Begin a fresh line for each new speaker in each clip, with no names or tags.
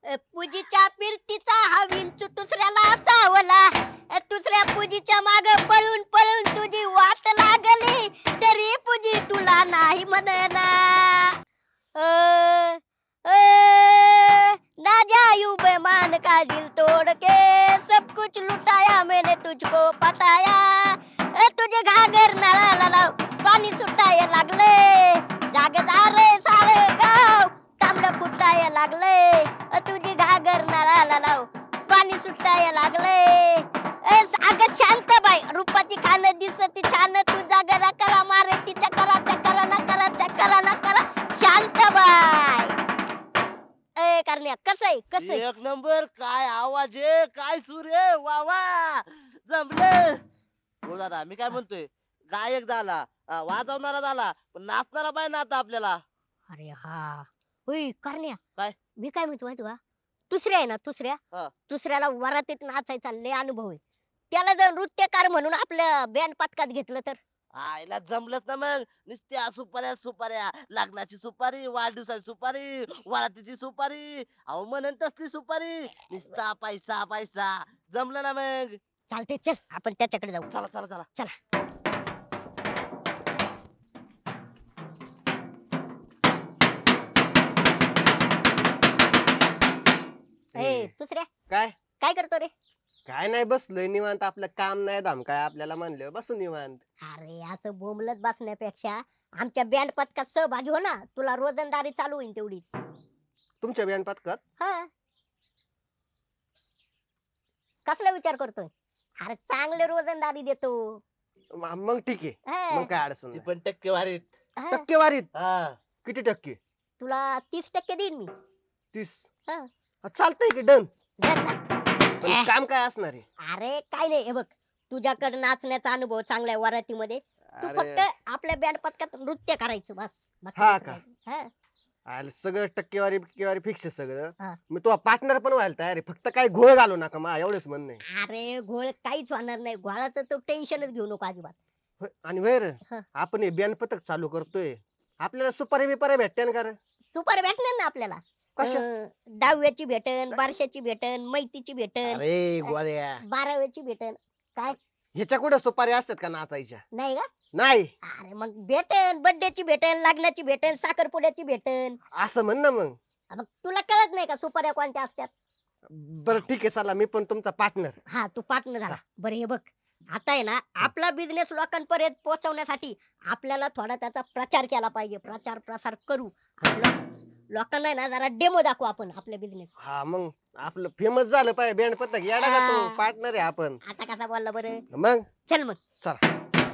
पूजीच्या फिरतीचा हा विंचू दुसऱ्याला चावला. दुसऱ्या पूजीच्या माग पळून पळून तुझी वाट लागली, तरी पूजी तुला नाही म्हणना. अ, अ, ना जायू बेमान का दिल तोड़ के, सब कुछ लुटाया मैंने तुझको पताया. तुझे घागर नळाला लाव, पाणी सुटायला लागले. जागदार सारे गाव तांबड फुटायला लागले. तुझी घागर नळाला लाव, पाणी सुटायला लागले. अगं शांत बाई, रूपाची खान दिसती छान, तुझा गरा करा मारे तिच्या करा चकरा ना करा चकरा ना करा. शांत बाई. करण्या कसं आहे कसं आहे?
एक नंबर. काय आवाज आहे, काय सूर आहे, वा वा जमलं. हो दादा, मी काय म्हणतोय, गायक झाला, वाजवणारा झाला, पण नाचणारा पाहिजे ना आता आपल्याला.
अरे हा होय करण्या.
काय?
मी काय म्हणतो माहिती का, दुसऱ्या आहे ना दुसऱ्या,
हा.
दुसऱ्याला वरातीत नाचायचा लय अनुभव आहे. त्याला जर नृत्यकार म्हणून आपल्या बँड पथकात घेतलं तर?
आईला जमलंच ना मग. नुसत्या सुपाऱ्या सुपाऱ्या, लग्नाची सुपारी, वाढदिवसाची सुपारी, वरातीची सुपारी, अहो म्हणून तसली सुपारी, नुसता पैसा पैसा. जमलं ना मग.
चालते, चल आपण त्याच्याकडे जाऊ.
चला चला चला.
चला. दुसऱ्या
काय
काय करतो रे?
काय नाही बसलोय निवांत. आपलं काम नाही धाम काय आपल्याला म्हणलं बसू निवांत.
अरे असं बोंबलत बसण्यापेक्षा आमच्या बँड पथकात सहभागी हो ना, तुला रोजंदारी चालू होईल तेवढी.
तुमच्या बियाण पथकात
हा, कसला विचार करतोय? अरे चांगले रोजंदारी देतो.
मग ठीक आहे.
हा,
मग काय अडचण
ती
नाही.
पण टक्केवारीत.
हा.
टक्केवारीत
हा.
किती टक्के?
तुला 30% देईन मी.
30.
हा.
चालतंय की डन.
धर ना.
पण काम काय असणार आहे?
अरे काय नाही, हे बघ तुझ्याकडे नाचण्याचा अनुभव चांगला आहे वरातीमध्ये. तू
अरे
फक्त आपल्या बँड पथकात नृत्य करायचं बस. बाकी
हा
दुसरं
का?
काही नाही. हा.
अरे सगळं टक्केवारी फिक्स आहे सगळं.
हा.
मी तुझा पार्टनर पण व्हायला तयार आहे, फक्त काय घोळ घालू नका मा एवढंच म्हणणं आहे.
अरे घोळ काहीच होणार नाही, घोळाचं तू टेन्शनच घेऊ नको अजिबात.
होय, आणि वेर
हा.
आपण हे बियाण पथक चालू करतोय, आपल्याला सुपारी बिपारी भेटते ना? कारण
सुपर भेटणार ना आपल्याला.
कशा?
दहाव्याची भेटन, बारशाची भेटन, मैतीची भेटन,
अरे गोळ्या,
12व्याची भेटन. काय
ह्याच्या कुठे सुपारी असतात का नाचायच्या?
नाही का?
नाही.
अरे मग भेटन, बर्थडेची भेटन, लग्नाची भेटन, साखरपुड्याची भेटन.
असं म्हण ना मग.
मग तुला कळत नाही का सुपाऱ्या कोणत्या असतात?
बरं ठीक आहे, चला मी पण तुमचा पार्टनर.
हा, तू पार्टनर झाला. बरं हे बघ, आता आहे ना आपला बिझनेस लोकांपर्यंत पोहोचवण्यासाठी आपल्याला थोडा त्याचा प्रचार केला पाहिजे. प्रचार प्रसार करू. लोकांना आहे ना जरा डेमो दाखवू आपण आपल्या बिझनेस.
हा, मग आपलं फेमस झालं पाहिजे बँड पथक. येडा का तो?
हा.
पार्टनर आहे आपण.
आता कसा बोलला बरं?
मग
चल मग.
चला.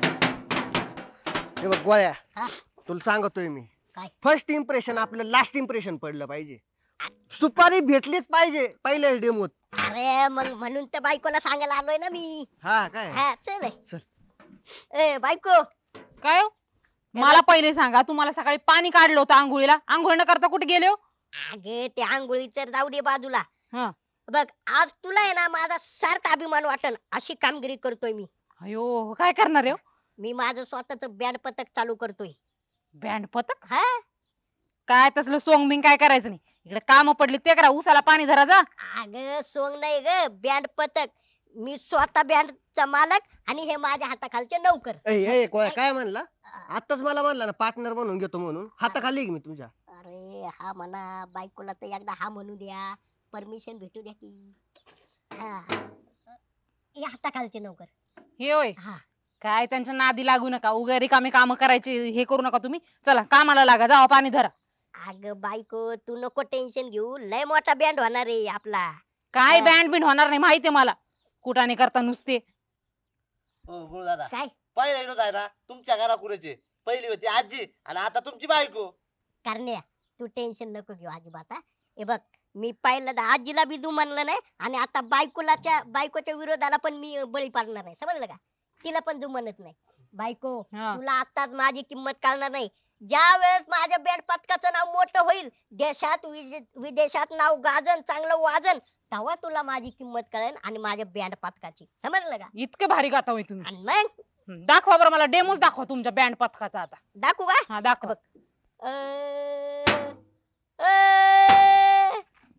हे बघ गोळ्या,
हा.
तुला सांगतोय मी,
काय?
फर्स्ट इम्प्रेशन आपलं लास्ट इम्प्रेशन पडलं पाहिजे. सुपारी भेटलीच पाहिजे पहिल्या डेमोत.
अरे मग म्हणून तर बायकोला सांगायला आलोय ना मी.
हा काय?
हा चल.
चल.
बायको,
काय हो? मला पहिले सांगा, तुम्हाला सकाळी पाणी काढलं होतं आंघोळीला, आंघोळ न करता कुठे गेले हो?
अगे ते आंघोळीचं जाऊ दे बाजूला.
हा.
बघ आज तुला आहे ना माझा सार्थ अभिमान वाटन अशी कामगिरी करतोय मी.
अयो, काय करणार आहे हो?
मी माझं स्वतःच बँड पथक चालू करतोय.
बँड पथक?
हा,
काय तसलं सोंग बिंग काय करायचं नाही. इकडे काम पडली ते करा, उसाला पाणी धरा जा.
अगं सोंग नाही ग, बँड पथक. मी स्वतः बँडचा मालक आणि हे माझ्या हाताखालचे नौकर.
गोळ्या काय म्हणला? आताच मला म्हणला ना पार्टनर म्हणून घेतो म्हणून. हाताखाली आहे मी तुझ्या.
अरे हा म्हणा, बायकोला तर एकदा हा म्हणू द्या, परमिशन भेटू द्या की. हा, हे हाताखालचे नौकर.
हे होय,
हा,
काय त्यांच्या नादी लागू नका. उगा रिकामे काम करायचे हे करू नका तुम्ही. चला कामाला लागा, जावा पाणी धरा.
अगं बायको तू नको टेन्शन घेऊ, लय मोठा बँड होणार आहे आपला.
काय
हा.
बँड बिंड होणार नाही माहितीये मला. कुठाने करता नुसते.
हो गुरु दादा,
काय
पहिला विनोद आहे ना तुमच्या घराकुऱ्याचे. पहिली होती आजी आणि आता तुमची बायको.
करण्या, तू टेन्शन नको घेऊ अजिबात. हा. हे बघ मी पहिल्यांदा आजीला बी म्हणलं नाही आणि आता बायकोच्या विरोधाला पण मी बळी पाडणार आहे, समजलं का? तिला पण म्हणत नाही. बायको
हा.
तुला आताच माझी किंमत कळणार नाही. ज्या वेळेस माझ्या बँड पथकाचं नाव मोठं होईल, देशात विदेशात नाव गाजन, चांगलं वाजन, तेव्हा तुला माझी किंमत कळेल आणि माझ्या बँड पथकाची, समजलं का?
इतके भारी गाता होय तुम्ही.
आणि मग
दाखवा बरं मला, डेमोच दाखवा तुमच्या बँड पथकाचा आता.
दाखवू का?
हा दाखवा.
अ, अ,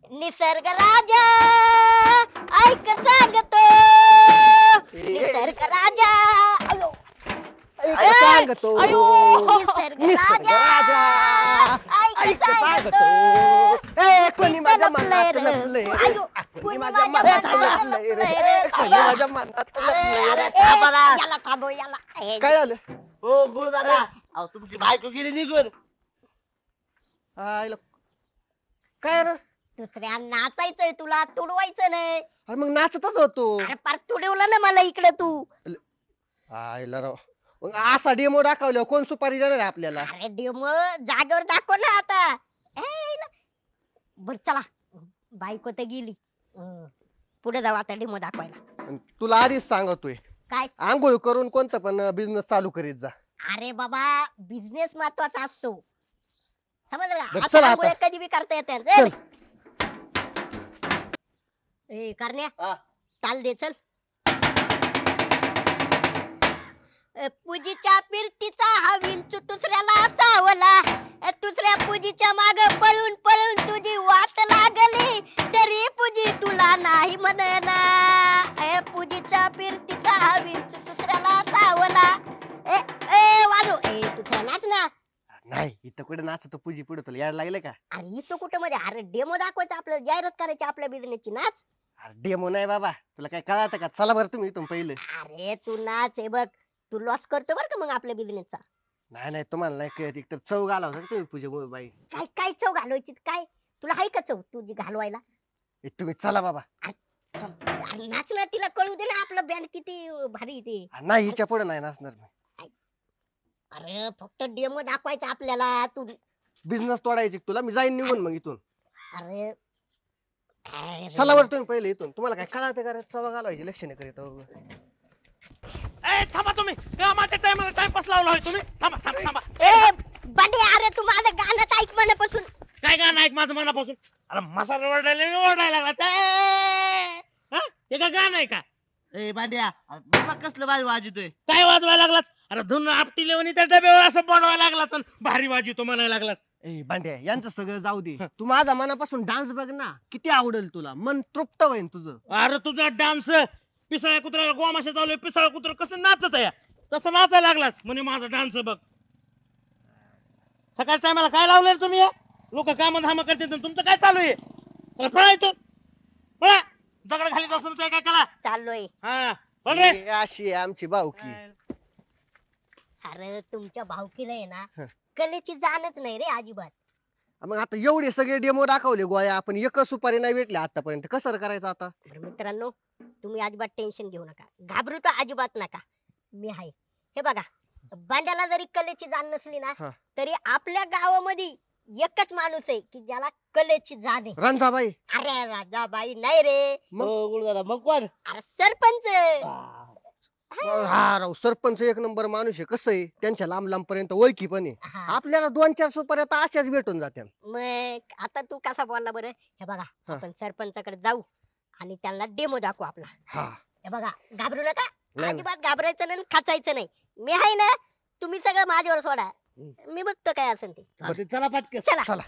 निसर्ग राजा ऐक सांगतो निसर्ग राजा अयो
ऐक सांगतो
निसर्ग
निसर्ग
राजा
राजा ऐक सांगतो ए कोणी माझ्या मनात लपलंय रे.
अयो,
कोणी माझ्या मनात लपलंय रे. कोणी माझ्या मनात लपलंय रे.
थांबा ना.
याला थांबव याला ए,
काय झालं
हो गुरुदादा अहो तुमची बायको गेली निघून
आईला काय रे
दुसऱ्या नाचायचंय तुला तुडवायचं नाही
अरे मग नाचतच होतो
अरे पार तुडवलं ना मला इकडे तू
आईला राव मग असा डेमो दाखवल्यावर कोण सुपारी देणार आहे आपल्याला
अरे डेमो जागेवर दाखव ना आता बर चला बायको तर गेली पुढे जाऊ आता डेमो दाखवायला
आणि तुला आधीच सांगतोय
काय
आंघोळ करून कोणतं पण बिझनेस चालू करीत जा
अरे बाबा बिझनेस महत्वाचा असतो समजलं का?
बरं,
आता
चला
आंघोळ्या
आता.
कधी बी करता येतात
चल.
ए करण्या
हा.
चाल दे चल पूजीच्या पिरतीचा हा विंचू दुसऱ्याला चावला दुसऱ्या पूजीच्या माग पळून पळून तुझी वाट लागली तरी पूजी तुला नाही म्हणना पूजीच्या पिरतीचा हा विंचू दुसऱ्याला चावला ए ए वाजो ए दुसऱ्या नाच ना
नाही इथं कुठे नाचतो पूजी पुढे तुला यायला लागले का
अरे इथं कुठं मध्ये अरे डेमो दाखवायचं आपल्याला जाहिरात करायची आपल्या बिझनेसची नाच
अरे डेमो नाही बाबा तुला काय कळत का चला बरं तुम्ही इथून पहिलं
अरे तू नाच हे बघ तू लॉस करतो बर का मग आपल्या बिझनेसचा
नाही नाही तुम्हाला नाही कळत एक तर चव घाला होता तुम्ही पूजा बाई
काय काय चव घालवायची काय तुला हाय का चव तुझी घालवायला
ए, तुम्ही चला बाबा
अरे नाच ना तिला कळू दे ना आपलं बँड किती भारी आहे ते
नाही हिच्या पुढे नाही नाचणार मी
अरे फक्त डेमो दाखवायचा आपल्याला तू
बिझनेस तोडायची तुला मी जाईन निघून मग इथून
अरे अरे.
चला बरं तुम्ही पहिले इथून तुम्हाला काय कळत का रे? चव घालवायची लक्ष नाही करीत अहो.
ए थांबा तुम्ही कामाच्या टायमाला टाइमपास लावला होय तुम्ही थांबा थांबा थांबा
ए बंडे अरे तू माझं गाणं ऐक मनापासून
काय गाणं ऐक माझं मनापासून अरे मसाला ओरडायला लागला ते. हा? हे काय गाणं आहे का
ए बांड्या अरे बघ कसलं भारी वाजतोय
काय वाजवायला लागलाच अरे धुन आपटी लेवणी त्या डब्यावर असं बनवायला लागलाच अन भारी वाजतो म्हणायला लागलाच
ए भांड्या यांचं सगळं जाऊ दे तू माझा मनापासून डान्स बघ ना किती आवडेल तुला मन तृप्त होईल तुझं
अरे तुझा डान्स पिसाळ्या कुत्र्याला गोमाशा चालू पिसाळा कुत्र कसं नाचत आहे तसं नाचायला लागलाच म्हणे माझा डान्स बघ सकाळच्या टायमाला काय लावलंय रे तुम्ही लोक काम धाम करते तुमचं काय चालू आहे चला, पळा इथून पळा दगड घालीत असून काय काय करा
चाललोय
हा पळ रे
ए, अशी आहे आमची भावकी
अरे तुमच्या भावकीला आहे ना
हं.
कलेची जाणच नाही रे अजिबात
मग आता एवढे सगळे डेमो दाखवले गोळ्या आपण एकच सुपारी नाही भेटले आतापर्यंत कसं करायचं आता
बरं मित्रांनो तुम्ही अजिबात टेन्शन घेऊ नका घाबरू तर अजिबात नका मी आहे हे बघा बांड्याला जरी कलेची जाण नसली ना
हा.
तरी आपल्या गावामध्ये एकच माणूस आहे की ज्याला कलेची जाण आहे
रणजाबाई
अरे राजाबाई नाही रे
मग?
हो गुरुदादा मग कोण
अरे सरपंच
हा राव सरपंच एक नंबर माणूस आहे कसं आहे त्यांच्या लांब लांब पर्यंत ओळखी पण आहे
हा.
आपल्याला 2-4 सुपाऱ्या तर अशाच भेटून जात्या
मग आता तू कसा बोलला बरं हे बघा
हा.
आपण सरपंचाकडे जाऊ आणि त्यांना डेमो दाखवू आपला
हा
हे बघा घाबरू नका
नाही.
अजिबात घाबरायचं नाही आणि खाचायचं नाही मी आहे ना तुम्ही सगळं माझ्यावर सोडा मी बघतो काय असेल ते
चालतंय, चला पटकन
चला
चला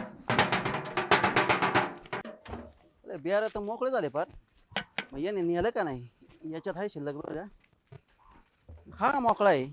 बिहार तर मोकळे झाले फार मग याने नेलं का नाही याच्यात आहे शिल्लक बरं हा मोकळा आहे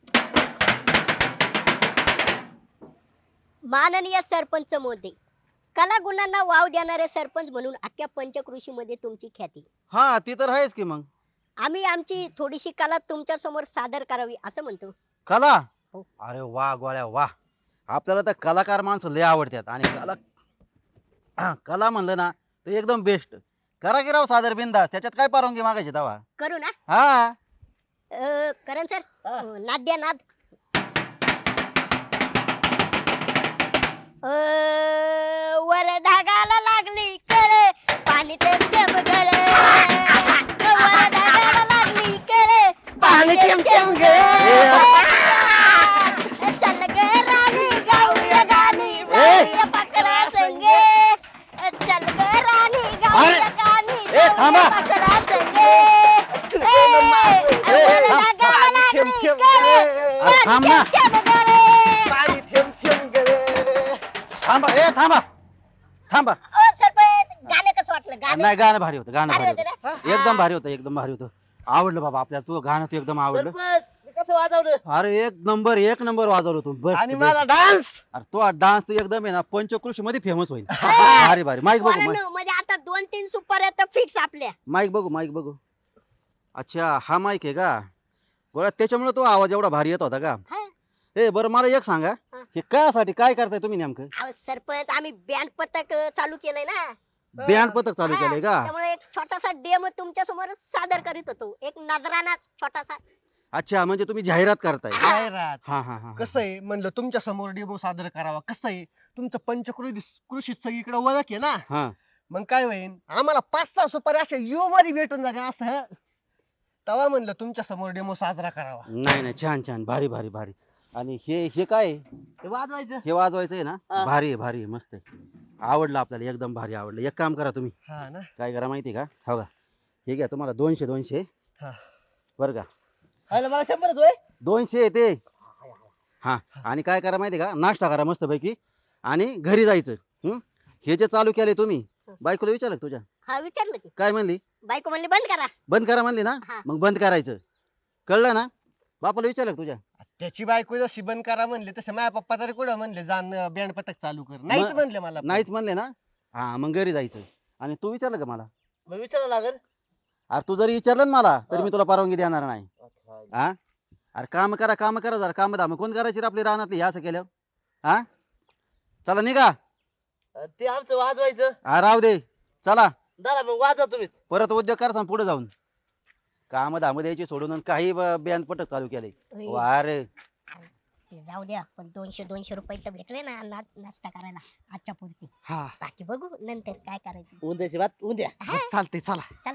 माननीय सरपंच मोदी कला गुणांना वाव देणारे सरपंच म्हणून अख्ख्या पंचकृषी मध्ये तुमची ख्याती
हा ती तर आहेच की मग
आम्ही आमची थोडीशी कला तुमच्या समोर सादर करावी असं म्हणतो
कला
हो.
अरे वा गोळ्या वा आपल्याला तर कलाकार माणसं लय आवडतात आणि कला म्हणलं ना तर एकदम बेस्ट करा की राव सादर बिंदास त्याच्यात काय परवानगी मागायची दवा
करू ना
हा
करण सर नाद द्या नाद वर ढगाला लागली कळे पाणी थेंब थेंब गळे वर ढगाला लागली कळे पाणी थेंब थेंब गळे चल ग राणी गाऊया गाणी जाऊया पाकरा संगे चल ग राणी गाऊया गाणी
थांबा.
जाऊया पाकरा संगे वर ढगाला लागली कळे
अरे थांब ना.
थेंब थेंब गळे
पाणी थेंब थेंब गेले
थांबा थांबा थांबा
ओ सरपंच गाणं
नाही गाणं भारी होतं गाणं
भारी
भारी
होतं
होतं
ना?
एकदम भारी होतं एकदम भारी होतं आवडलं बाबा आपल्याला तू गाणं तू एकदम आवडलं
सरपंच मी कसं वाजवलं
अरे एक नंबर वाजवलं तू बस
आणि मला डान्स
अरे तो डान्स तू एकदम आहे ना पंचकृषी मध्ये फेमस होईल भारी भारी माईक बघू
पोरांनो, म्हणजे आता 2-3 सुपाऱ्या तर फिक्स आपल्या.
माईक बघू अच्छा हा माईक आहे का बरं त्याच्यामुळे तो आवाज एवढा भारी येत होता का
हा.
ए बरं मला एक सांगा
हा.
हे कायसाठी काय करताय तुम्ही नेमकं
अहो, सरपंच आम्ही बँड पथक चालू केलंय ना.
बँड पथक चालू
हा,
केलंय का
त्यामुळे एक छोटासा डेमो तुमच्या समोर सादर करीत होतो, एक नजराना छोटासा.
अच्छा म्हणजे तुम्ही जाहिरात करताय
जाहिरात
हा हा हा
कसं आहे म्हणलं तुमच्या समोर डेमो सादर करावा कसं आहे तुमचं पंचकृषी सगळीकडे ओळख आहे ना
हा
मग काय होईल आम्हाला 5-6 सुपारी अशा यू मध्ये भेटून जाते असं तेव्हा म्हणलं तुमच्या समोर डेमो साजरा करावा
नाही नाही छान छान भारी भारी भारी आणि हे काय आहे?
हे वाजवायचं
हे वाजवायचं आहे ना
हा.
भारी आहे मस्त आहे आवडलं आपल्याला एकदम भारी आवडलं एक काम करा तुम्ही
हा ना
काय करा माहिती का हो का हे घ्या तुम्हाला 200
हा.
बरं का
अरे मला 100च होय
200 ते हा आणि काय करा माहिती का नाश्ता करा मस्त पैकी आणि घरी जायचं हे जे चालू केले तुम्ही बायकोला विचारलं का तुझ्या
हा, विचारलं की.
काय म्हणली
बायको म्हणली बंद करा.
बंद करा म्हणली ना
हा.
मग बंद करायचं कळलं ना बापाला विचारलं का तुझ्या
त्याची बायको जशी बंद करा म्हणले तसे माझ्या पप्पा तरी कुठं म्हणले जाण बँड पथक चालू कर नाहीच
मग-
म्हणले मला
नाहीच म्हणले ना हा मग घरी जायचं आणि तू विचारलं का मला
मग विचारावं लागेल
अरे तू जरी विचारलं ना मला तरी
हा.
मी तुला परवानगी देणार नाही
अच्छा.
हा अरे काम करा जरा काम धाम कोण करायची रे आपली रानातली हे असं केलं हा चला निघा
ते आमचं वाजवायचं
हा राहू दे चला
दादा मग वाजवा तुम्हीच
परत उद्योग कर पुढे जाऊन काम धाम द्यायची सोडून आणि काही बँड पटक चालू केले अरे
जाऊ द्या, पण 200 रुपये तर भेटले ना नाश्ता करायला आजच्या पुरती.
हा
बाकी बघू नंतर काय करायचं.
उद्याची बात उद्या
हा,
चालते चला